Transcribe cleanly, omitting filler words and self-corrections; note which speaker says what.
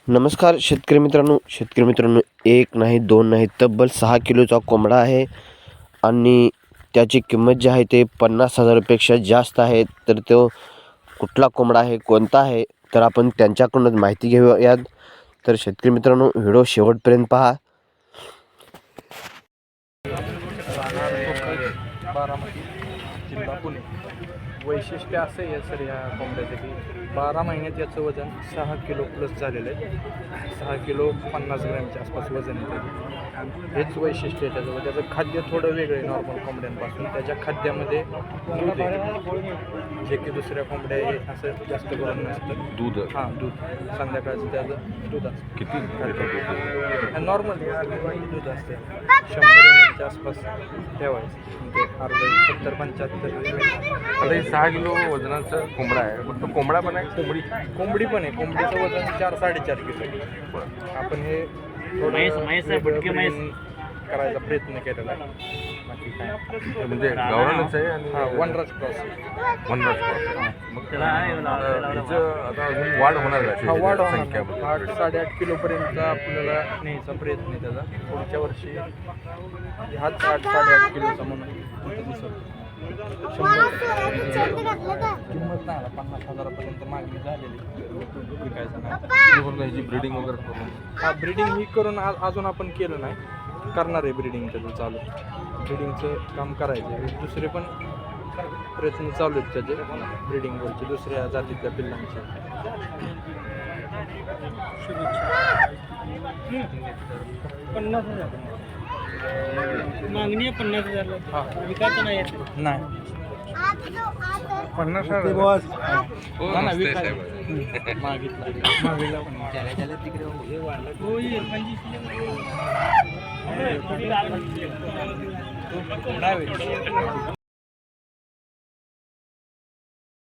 Speaker 1: नमस्कार शेतकरी मित्रांनो, एक नाही दोन नाही तब्बल 6 किलोचा कोंबडा आहे आणि त्याची किंमत जी आहे ते 50,000पेक्षा जास्त आहे. तर तो कुठला कोंबडा आहे, कोणता आहे, तर आपण त्यांच्याकडूनच माहिती घेऊयात. तर शेतकरी मित्रांनो, व्हिडिओ शेवटपर्यंत पहा.
Speaker 2: बारामती जिल्हा पुणे. वैशिष्ट्य असं आहे सर या कोंबड्याचं की 12 महिन्यात याचं वजन 6 किलो प्लस झालेलं आहे. 6 किलो 50 ग्रॅमच्या आसपास वजन आहे त्याचं. हेच वैशिष्ट्य आहे त्याचं. त्याचं खाद्य थोडं वेगळं आहे नॉर्मल कोंबड्यांपासून. त्याच्या खाद्यामध्ये दूध आहे, जे की दुसऱ्या कोंबड्या आहे असं जास्त करून नसतं.
Speaker 3: दूध
Speaker 2: हां, दूध संध्याकाळचं त्याचं दूध असतं.
Speaker 3: किती
Speaker 2: नॉर्मल दूध असते 100 ml च्या आसपास ठेवायचं. म्हणजे अर्धा 70-75.
Speaker 3: आता हे 6 किलो वजनाचा कोंबडा आहे. फक्त कोंबडा पण आहे,
Speaker 2: कोंबडी पण आहे. कोंबडीचं वजन 4-4.5 किलो. आपण हे थोडं करायचा प्रयत्न केलेला आहे. बाकी काय
Speaker 3: म्हणजे गावरानच आहे आणि
Speaker 2: वनराज क्रॉस.
Speaker 3: वनराज क्रॉस. मग त्याचं आता अजून वाढ होणार आहे
Speaker 2: वाढ
Speaker 3: संख्या
Speaker 2: 8-8.5 किलोपर्यंत आपल्याला न्यायचा प्रयत्न आहे त्याचा. पुढच्या वर्षी हाच 8-8.5 किलोचा म्हणून दिसत. किंमत नाही 50,000पर्यंत मागणी झालेली. विकायचं नाही.
Speaker 3: ह्याची ब्रीडिंग वगैरे करून
Speaker 2: हा, ब्रीडिंग ही करून अजून आपण केलं नाही. करणार आहे ब्रीडिंग त्याचं चालू. ब्रीडिंगचं काम करायचं आहे. दुसरे पण प्रयत्न चालू आहेत त्याचे ब्रीडिंगवरचे, दुसऱ्या जातीतल्या पिल्लांचे.
Speaker 4: मागणी 50,000.
Speaker 2: हां,
Speaker 4: विकायचं नाही
Speaker 2: नाही 50,000 मागितला पण